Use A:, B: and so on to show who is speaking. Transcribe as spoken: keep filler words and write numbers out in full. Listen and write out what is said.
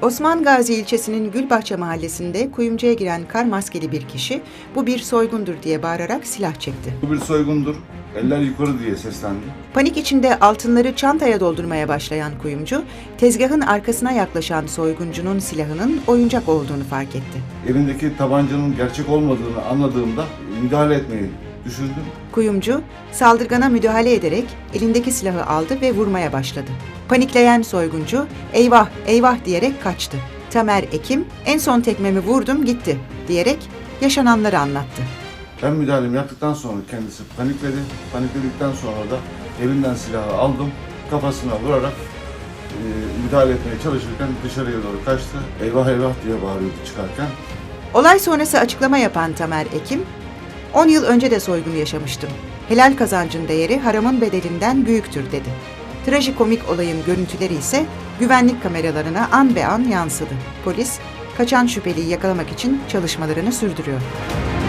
A: Osman Gazi ilçesinin Gülbahçe mahallesinde kuyumcuya giren kar maskeli bir kişi "Bu bir soygundur" diye bağırarak silah çekti.
B: Bu bir soygundur, eller yukarı diye seslendi.
A: Panik içinde altınları çantaya doldurmaya başlayan kuyumcu, tezgahın arkasına yaklaşan soyguncunun silahının oyuncak olduğunu fark etti.
B: Elindeki tabancanın gerçek olmadığını anladığımda müdahale etmeyi düşündüm.
A: Kuyumcu, saldırgana müdahale ederek elindeki silahı aldı ve vurmaya başladı. Panikleyen soyguncu, "Eyvah, eyvah" diyerek kaçtı. Tamer Ekim, "En son tekmemi vurdum gitti" diyerek yaşananları anlattı.
B: Ben müdahalemi yaptıktan sonra kendisi panikledi. Panikledikten sonra da elinden silahı aldım. Kafasına vurarak e, müdahale etmeye çalışırken dışarıya doğru kaçtı. "Eyvah eyvah" diye bağırıyordu çıkarken.
A: Olay sonrası açıklama yapan Tamer Ekim, on yıl önce de soygun yaşamıştım. Helal kazancın değeri haramın bedelinden büyüktür" dedi. Trajikomik olayın görüntüleri ise güvenlik kameralarına an be an yansıdı. Polis, kaçan şüpheliyi yakalamak için çalışmalarını sürdürüyor.